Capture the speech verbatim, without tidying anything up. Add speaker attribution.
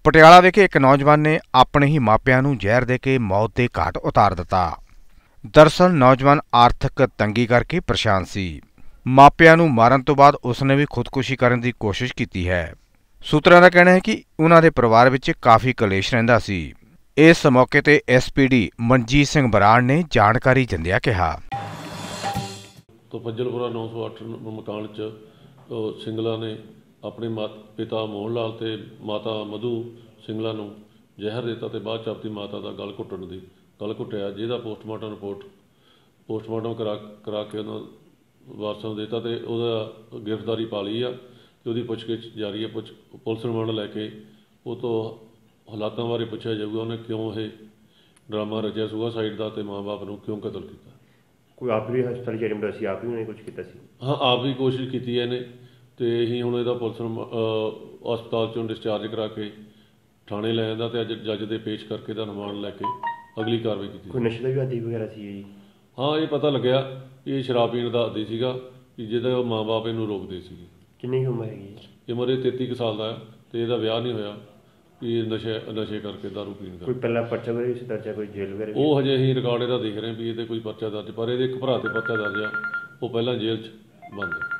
Speaker 1: ਪਟਿਆਲਾ ਵਿਖੇ ਇੱਕ ਨੌਜਵਾਨ ਨੇ ਆਪਣੇ ਹੀ ਮਾਪਿਆਂ ਨੂੰ ਜ਼ਹਿਰ ਦੇ ਕੇ ਮੌਤ ਦੇ ਘਾਟ ਉਤਾਰ ਦਿੱਤਾ। ਦਰਅਸਲ ਨੌਜਵਾਨ ਆਰਥਿਕ ਤੰਗੀ ਕਰਕੇ ਪਰੇਸ਼ਾਨ ਸੀ। ਮਾਪਿਆਂ ਨੂੰ ਮਾਰਨ ਤੋਂ ਬਾਅਦ ਉਸਨੇ ਵੀ ਖੁਦਕੁਸ਼ੀ ਕਰਨ ਦੀ ਕੋਸ਼ਿਸ਼ ਕੀਤੀ ਹੈ। ਸੂਤਰਾਂ ਦਾ ਕਹਿਣਾ ਹੈ ਕਿ ਉਹਨਾਂ ਦੇ ਪਰਿਵਾਰ ਵਿੱਚ ਕਾਫੀ ਕਲੇਸ਼ ਰਹਿੰਦਾ ਸੀ। ਇਸ ਮੌਕੇ ਤੇ S P D Manjit Singh Brar ਨੇ ਜਾਣਕਾਰੀ ਦਿੰਦਿਆਂ ਕਿਹਾ।
Speaker 2: तो फज्जलपुरा नौ सौ अठ मकान च सिंगला ने अपने मात पिता मोहन लाल ते माता मधु सिंगला नूं जहर दिता ते बाद च अपनी माता का गल घुट्टण दी गल घुट्टिया, जिहदा पोस्टमार्टम रिपोर्ट पोस्टमार्टम करा करा के उन्होंने वारसां नूं दिता ते उहदा गिरफ्तारी पा लई आ ते उहदी पुछगिछ जारी है। पुछ पुलिस रिमांड लैके उह तों हालातां बारे पुछिया जाऊगा, उहने क्यों ये ड्रामा रचिया सुसाइड का ते माँ बाप नूं क्यों कतल किया।
Speaker 3: कोई आप भी हस्पताल एडमिट सी, आप भी उन्होंने कुछ किया सी?
Speaker 2: हाँ, आप भी कोशिश की है ने तो अं हूँ यदा पुलिस हस्पताल चों डिस्चार्ज करा के थाने लै आंदा ते अज जज दे पेश करके दा रिमांड लैके अगली कार्रवाई की।
Speaker 3: कोई नशे का भी आदी वगैरह सी जी?
Speaker 2: हाँ, ये पता लग्या ये शराब पीण का आदी सीगा कि जिहदा माँ बाप इहनूं रोकदे सीगे।
Speaker 3: किन्नी उम्र हैगी?
Speaker 2: ये उम्र तेती कुछ साल का है तो यदा विआह नहीं होया कि नशे नशे करके दारू पीण का।
Speaker 3: कोई पहला पर्चा वगैरह इस दर्ज है, कोई जेल वगैरह?
Speaker 2: वो हजे असीं रिकॉर्ड इहदा देख रहे हैं भी ये कोई पर्चा दर्ज, पर ये एक भरा ते पर्चा दर्ज आ, वो पहलां जेल च बंद है।